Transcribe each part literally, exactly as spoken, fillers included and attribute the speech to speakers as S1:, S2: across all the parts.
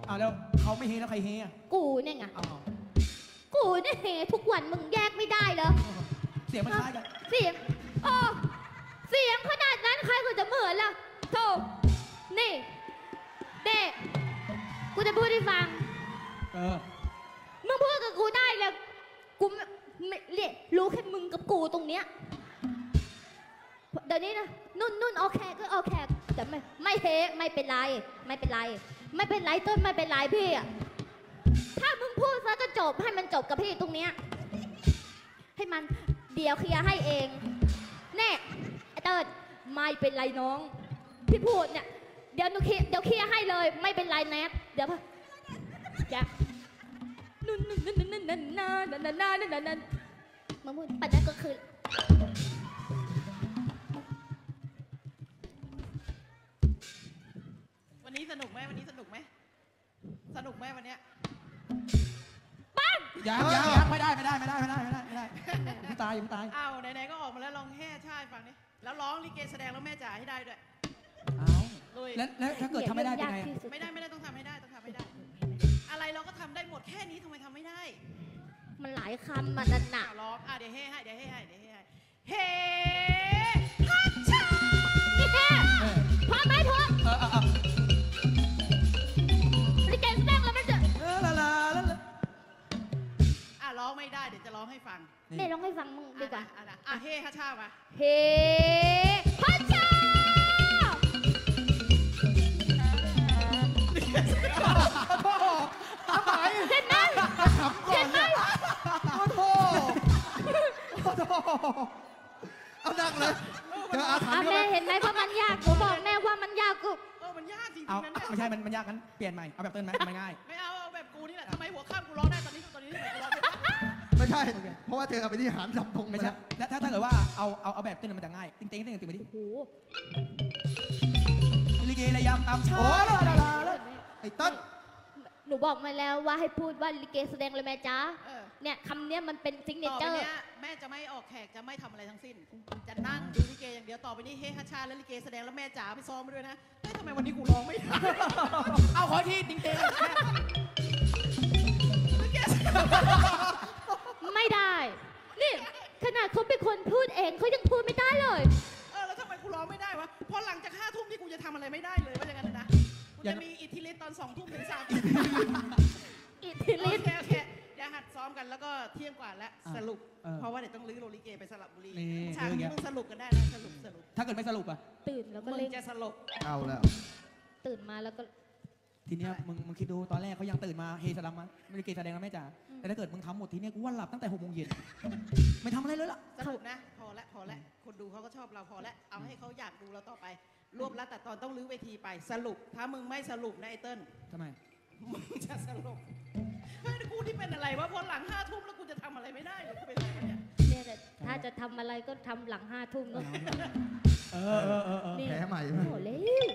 S1: อ้าวแล้วเขาไม่เฮแล้วใครเฮอ่ะ
S2: กูเนี่ยไง
S1: อ้าว
S2: กูเนี่ยเฮทุกวันมึงแยกไม่ได้เหรอ
S1: เสียงมันคล้ายกัน
S2: เสียงอ๋อเสียงขนาดนั้นใครก็จะเหมือนล่ะโธ่นี่เด็กกูจะพูดให้ฟัง
S1: เออ
S2: มึงพูดกับกูได้เลยกูไม่ไม่เรียกรู้แค่มึงกับกูตรงเนี้ยเดี๋ยวนี้นะนุ่นนุ่นโอเคก็โอเคแต่ไม่ไม่เฮไม่เป็นไรไม่เป็นไร ไม่เป็นไรต้นไม่เป็นไรพี่อะถ้ามึงพูดซะก็จบให้มันจบกับพี่ตรงเนี้ยให้มันเดี๋ยวเคลียร์ให้เองแน่ไอ้เติร์ดไม่เป็นไรน้องพี่พูดเนี่ยเดี๋ยวหนูเคลียร์เดี๋ยวเคลียร์ให้เลยไม่เป็นไรแนทเดี๋ยวจะนุ่นนุ่นนุ่นนุ่นนุ่นนุ่นนุ่นนุ่นนุ่นนุ่นนุ่นนุ่นมึงพูดปัจจัยก็คือ
S3: วันนี้สนุกไหมวันนี้สนุกไหมสนุกไหมวันเนี้ย
S1: ยังยังยังไม่ได้ไม่ได้ไม่ได้ไม่ได้ไม่ได้ไม่ได้ยังตายยังตาย
S3: อ้าวไหนๆก็ออกมาแล้วลองแห่ชายฟังดิแล้วร้องลิเกแสดงแล้วแม่จ๋าให้ได้ด้วย
S1: อ้าว
S3: ลุย
S1: แล้วแล้วถ้าเกิดทำไม่ได้เป็นไง
S3: ไม่ได้ไม่ได้ต้องทำให้ได้ต้องทำให้ได้ อะไรเราก็ทำได้หมดแค่นี้ทำไมทำไม่ได้
S2: มันหลายคำมันนั่นหนั
S3: อ้าก วร้องอ่ะเดี๋ยวเฮ่ให้เดี๋ยวเฮ่ให้เดี๋ยวเฮ่ให้เฮ่ฮัทชา
S2: นี่แค่พอไหมพอ
S1: เออเออเออ
S2: ลิเกแสดงแล้วมันจะ
S1: เออละละละละ
S3: อ่ะร้องไม่ได้เดี๋ยวจะร้องให้ฟัง
S2: เน่ร้องให้ฟังมึงดีกว่า
S3: อ่ะนะอ่ะเฮ่ฮัทชามา
S2: เฮ้พัชชา
S1: ทำไม
S2: เห็นไหมเห็นไหม
S1: โอ้โหโอ้โหเอาดังเลยเจออาถรร
S2: อ่ะ
S1: พ์
S2: แม่เห็นไหมเพราะมันยากหนูบอกแม่ว่ามันยากกู
S3: เออมันยากจริง
S1: เอา
S3: ๆนะเนี่ย
S1: ไม่ใช่มันมันยากงั้นเปลี่ยนใหม่เอาแบบเต้นไหมมันง่าย
S3: ไม่เอาเอาแบบกูนี่แหละทำไมหัวข้ามกูร้องได้ตอนนี้ตอนนี้ทำไมกูร้องไม่ได้
S4: ไม่ใช่ เพราะว่าเธอเอาไปที่หารสับพง
S1: ไม่
S4: ไม่
S1: ใช่
S4: ใช่
S1: แล้วถ้าถ้าเกิดว่าเอาเอาเอาแบบเต้นมันจะง่ายติ๊งติ๊งติ๊งติ๊งไปดิ
S2: โอ้โห
S1: ลิเกระยำตามชา
S4: โอ้ยละละละละไอ้ต้น
S2: หนูบอกมาแล้วว่าให้พูดว่าลิเกแสดงเลยแม่จ้า
S3: เออ
S2: เนี่ยคำเนี้ยมันเป็นซิงเน
S3: ต่อ
S2: เจ
S3: ไป
S2: อร์
S3: เนี้ยแม่จะไม่ออกแขกจะไม่ทำอะไรทั้งสิ้น จะนั่งดูลิเกอย่างเดียวต่อไปนี้เฮฮัชชาและลิเกแสดงแล้วแม่จ๋าไปซ้อมมาด้วยนะเฮ้ยทำไมวันนี้กูร้องไม่ได้
S1: เอาขอทีติ๊งติ๊ง
S3: ลิเกแสดง
S2: ไม่ได้ นี่ขนาดเขาเป็นคนพูดเองเขายังพูดไม่ได้เลย
S3: เออแล้วทำไมกูร้องไม่ได้วะพอหลังจากห้าทุ่มที่กูจะทำอะไรไม่ได้เลยว่าอย่างนั้นนะกูจะมีอิทธิฤทธิ์ตอนสองทุ่มถึงสามทุ่ม
S2: อิทธิ
S3: โอ
S2: ฤทธิ์
S3: เคโอเคเดี๋ยวหัดซ้อมกันแล้วก็เที่ยงกว่าแล้วสรุป เพราะว่าเดี๋ยวต้องลื้อโรลิเกไปสระบุรีฉากนี้มึงสรุปกันได้นะสรุปสรุป
S1: ถ้าเกิดไม่สรุปอะ
S2: ตื่นแล้วก็
S3: มึง
S2: เล่น
S3: จะสรุป
S4: เอาแล้ว
S2: ตื่นมาแล้วก็
S1: ทีเนี้ยมึงมึงคิดดูตอนแรกเขายังตื่นมาเฮสลัมมาลิเกแสดงแล้วแม่จ๋าแต่ถ้าเกิดมึงทำหมดทีเนี้ยกูว่าหลับตั้งแต่หกโมงเย็นไม่ทำอะไรเลยล่ะ
S3: สรุปนะ พอละพอละคนดูเขาก็ชอบเราพอละเอาให้เขาอยากดูเราต่อไป รวบรัดแต่ตอนต้องลื้อเวทีไปสรุป ถ้ามึงไม่สรุปนะไอ้เติ้ล
S1: ทำไม
S3: มึงจะสรุปเฮ้ยกูที่เป็นอะไรวะพอหลังห้าทุ่มแล้วกูจะทำอะไรไม่ได้เลยกูเป็นอะไรเนี่ย
S2: เนี่ยแต่ถ้าจะทำอะไรก็ทำหลังห้าทุ่มเนอะ
S1: เออเออเออเออ
S2: นี่
S4: แพ้ใหม่
S2: โอ้โหเร็ว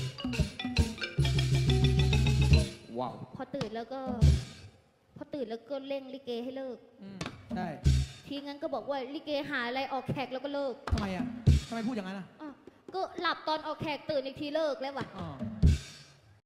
S1: ว้าว
S2: พอตื่นแล้วก็ พอตื่นแล้วก็เร่งลิเกให้เลิก
S1: อืมใช่
S2: ทีงั้นก็บอกว่าลิเกหาอะไรออกแขกแล้วก็เลิก
S1: ทำไมอะทำไมพูดอย่างนั้นอะ
S2: อ้าวก็หลับตอนออกแขกตื่นอีกทีเลิกแล้วว่ะ
S1: อ๋อ